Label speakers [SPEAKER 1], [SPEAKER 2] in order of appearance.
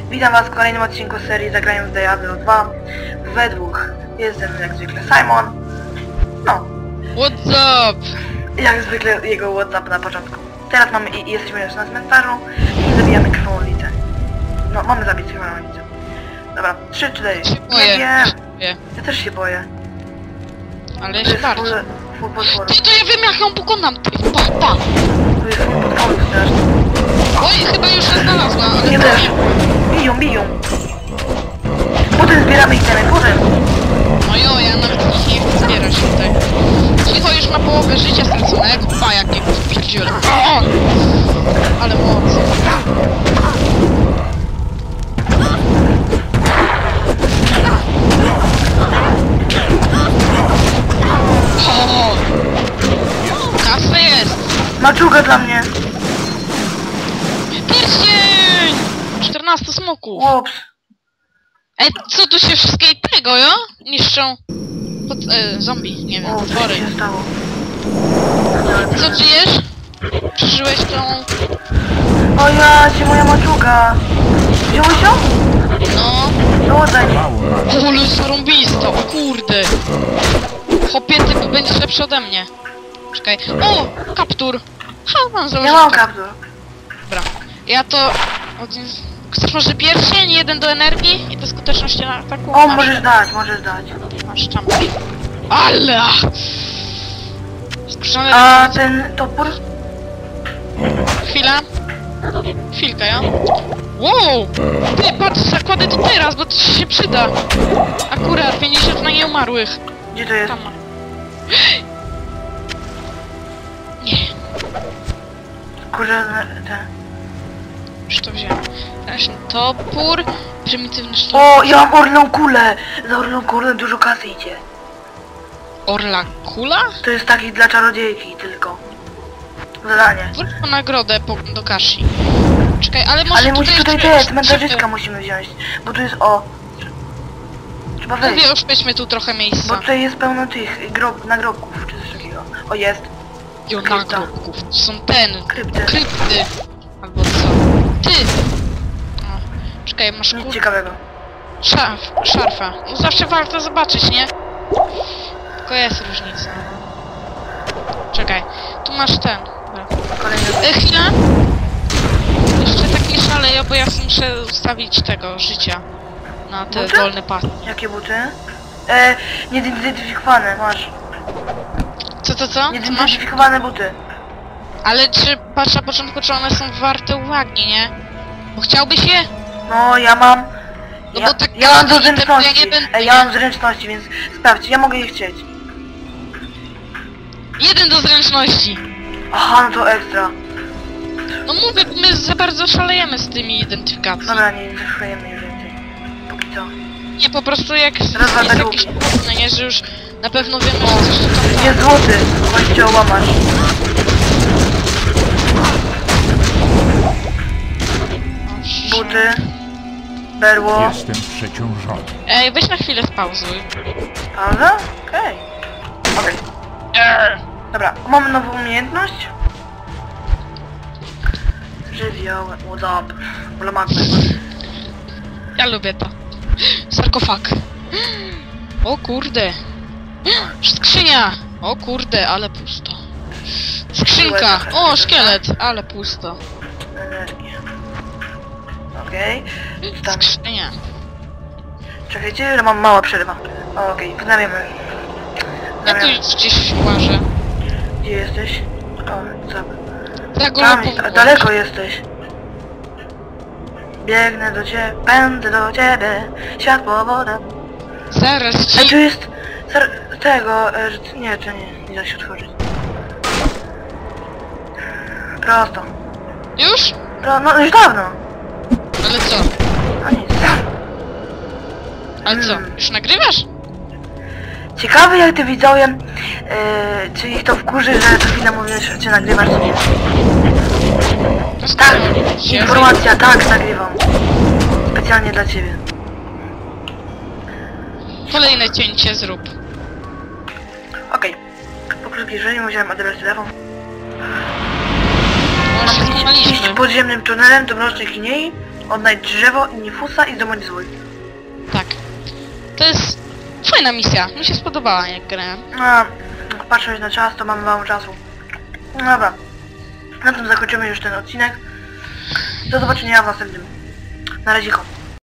[SPEAKER 1] Witam was w kolejnym odcinku serii Zagrajmy w Diablo 2 we dwóch. Jest ze mną jak zwykle Simon. No.
[SPEAKER 2] What's up?
[SPEAKER 1] Jak zwykle jego WhatsApp na początku. Teraz mamy i jesteśmy już na cmentarzu i zabijamy krwawolnicę. No, mamy zabić krwawolnicę. Dobra, 3, 4.
[SPEAKER 2] Boję.
[SPEAKER 1] Ja też się boję.
[SPEAKER 2] Ale ja
[SPEAKER 1] To
[SPEAKER 2] się
[SPEAKER 1] jest
[SPEAKER 2] bardzo.
[SPEAKER 1] full potworów.
[SPEAKER 2] Ty, to ja wiem jak ją pokonam, ty. Pa.
[SPEAKER 1] To jest full potworów strasznie.
[SPEAKER 2] Oj, chyba już się znalazła, ale
[SPEAKER 1] Nie też. Biją. Potem zbieramy itemy, potem.
[SPEAKER 2] No jo, ja nawet ich nie chcę zbierać tutaj. Cicho już ma połowę życia straconego. Pa, jakie pierdziele. O! Ale moc. O! Kasa jest!
[SPEAKER 1] Maczuga dla mnie.
[SPEAKER 2] Pierścień! 14 smoków.
[SPEAKER 1] Łops.
[SPEAKER 2] Ej, co tu się wszystkie tego, jo? Niszczą? Zombie, nie wiem,
[SPEAKER 1] O, co
[SPEAKER 2] potwory.
[SPEAKER 1] się stało?
[SPEAKER 2] Co żyjesz? Przeżyłeś tą...
[SPEAKER 1] O ja, ci moja maczuga. Wziąłeś ją?
[SPEAKER 2] No...
[SPEAKER 1] No oddaj mi.
[SPEAKER 2] Ale zarąbista, o kurde! Chłopie, ty będziesz lepszy ode mnie. Czekaj. O! Kaptur! Ha, mam
[SPEAKER 1] Ja
[SPEAKER 2] założyć
[SPEAKER 1] mam kaptur.
[SPEAKER 2] Dobra. Ja to... Chcesz może pierścień, 1 do energii i do skuteczności na ataku?
[SPEAKER 1] O,
[SPEAKER 2] Masz.
[SPEAKER 1] możesz dać.
[SPEAKER 2] Masz tam. Ale! Skrzane...
[SPEAKER 1] A ten topór?
[SPEAKER 2] Chwila. Chwilkę, ja? Wow! Ty, patrz, zakładę to teraz, bo to ci się przyda. Akurat, 50 na nieumarłych.
[SPEAKER 1] Gdzie to jest?
[SPEAKER 2] Tam ma. Nie,
[SPEAKER 1] Kurze, ten.
[SPEAKER 2] już to wziąłem. Teraz topór, prymitywny sztuk.
[SPEAKER 1] O, ja mam orlą kulę. Za orlą kulę dużo kasy idzie.
[SPEAKER 2] Orla kula?
[SPEAKER 1] To jest taki dla czarodziejki tylko. Zadanie.
[SPEAKER 2] Wróć po nagrodę do Kashi. Czekaj, ale może
[SPEAKER 1] Ale musi tutaj
[SPEAKER 2] jeszcze-
[SPEAKER 1] te cmentarzyska musimy wziąć. Bo tu jest Trzeba wejść.
[SPEAKER 2] Mówię, oszczędźmy tu trochę
[SPEAKER 1] Bo
[SPEAKER 2] miejsca.
[SPEAKER 1] tutaj jest pełno tych nagrobków czy coś takiego. O, jest.
[SPEAKER 2] Jo,
[SPEAKER 1] krypta.
[SPEAKER 2] nagrobków. Są
[SPEAKER 1] Krypty.
[SPEAKER 2] krypty. Albo co? Ty! O, czekaj, masz
[SPEAKER 1] Nic
[SPEAKER 2] kur...
[SPEAKER 1] ciekawego.
[SPEAKER 2] Szarfa. No zawsze warto zobaczyć, nie? Tylko jest różnica. Czekaj, tu masz ten. Dobra.
[SPEAKER 1] Kolejny.
[SPEAKER 2] Chwila! Jeszcze tak nie szaleję, bo ja muszę ustawić tego życia. Na te
[SPEAKER 1] Buty?
[SPEAKER 2] wolne pasy.
[SPEAKER 1] Jakie buty? Niezidentyfikowane, masz.
[SPEAKER 2] Co? Co masz?
[SPEAKER 1] Niezidentyfikowane buty.
[SPEAKER 2] Ale czy patrz na początku, czy one są warte uwagi, nie? Bo chciałbyś je?
[SPEAKER 1] No, ja mam...
[SPEAKER 2] No bo tak
[SPEAKER 1] ja mam do
[SPEAKER 2] każdy item, to ja
[SPEAKER 1] zręczności.
[SPEAKER 2] nie będę,
[SPEAKER 1] Ja
[SPEAKER 2] nie?
[SPEAKER 1] mam zręczności, więc sprawdź, ja mogę je chcieć.
[SPEAKER 2] 1 do zręczności!
[SPEAKER 1] Aha, no to ekstra.
[SPEAKER 2] No mówię, my za bardzo szalejemy z tymi identyfikacjami.
[SPEAKER 1] Dobra, nie zachwajemy już więcej. Póki co.
[SPEAKER 2] Nie, po prostu jak jest
[SPEAKER 1] Raz, dwa, tak
[SPEAKER 2] jakieś
[SPEAKER 1] lubię.
[SPEAKER 2] no nie, że już na pewno wiemy, że coś tam...
[SPEAKER 1] Jest złoty, właśnie łamasz. Buty. Berło.
[SPEAKER 3] Jestem przeciążony.
[SPEAKER 2] Ej, weź na chwilę spauzuj.
[SPEAKER 1] Pauza? Okej. Dobra, mamy nową umiejętność. Żywioł, what's up? Magma.
[SPEAKER 2] Ja lubię to. Sarkofag. O kurde. Skrzynia! O kurde, ale pusto. Skrzynka! O, szkielet! Ale pusto.
[SPEAKER 1] Energię. Okej. Tam.
[SPEAKER 2] Skrzynia.
[SPEAKER 1] Czekajcie, że mam mała przerwa. Okej, wznawiamy.
[SPEAKER 2] Ja tu już gdzieś łażę.
[SPEAKER 1] Gdzie jesteś? O, co?
[SPEAKER 2] Za
[SPEAKER 1] Tam,
[SPEAKER 2] golubą.
[SPEAKER 1] daleko jesteś. Biegnę do ciebie, pędzę do ciebie, światło, woda.
[SPEAKER 2] Zaraz
[SPEAKER 1] A tu
[SPEAKER 2] ci...
[SPEAKER 1] jest tego, nie, to nie da się otworzyć. Prosto.
[SPEAKER 2] Już?
[SPEAKER 1] No już dawno.
[SPEAKER 2] Ale co?
[SPEAKER 1] No nic.
[SPEAKER 2] Ale co? Już nagrywasz?
[SPEAKER 1] Ciekawe jak ty widzowie, czy ich to wkurzy, że co chwilę mówisz, czy nagrywasz, czy nie.
[SPEAKER 2] To
[SPEAKER 1] Tak,
[SPEAKER 2] się-
[SPEAKER 1] informacja, tak, nagrywam. Specjalnie dla ciebie.
[SPEAKER 2] Kolejne cięcie zrób.
[SPEAKER 1] Okej. Po przybliżeniu musiałem adres telefon.
[SPEAKER 2] No się
[SPEAKER 1] Iść
[SPEAKER 2] złamaliśmy.
[SPEAKER 1] podziemnym tunelem do Mrocznej Kinei. Odnajdź drzewo i Nifusa i zdobądź zwój.
[SPEAKER 2] Tak. To jest fajna misja. Mi się spodobała, jak grałem.
[SPEAKER 1] No, patrząc na czas, to mamy mało czasu. No dobra. Na tym zakończymy już ten odcinek. Do zobaczenia w następnym. Na razie.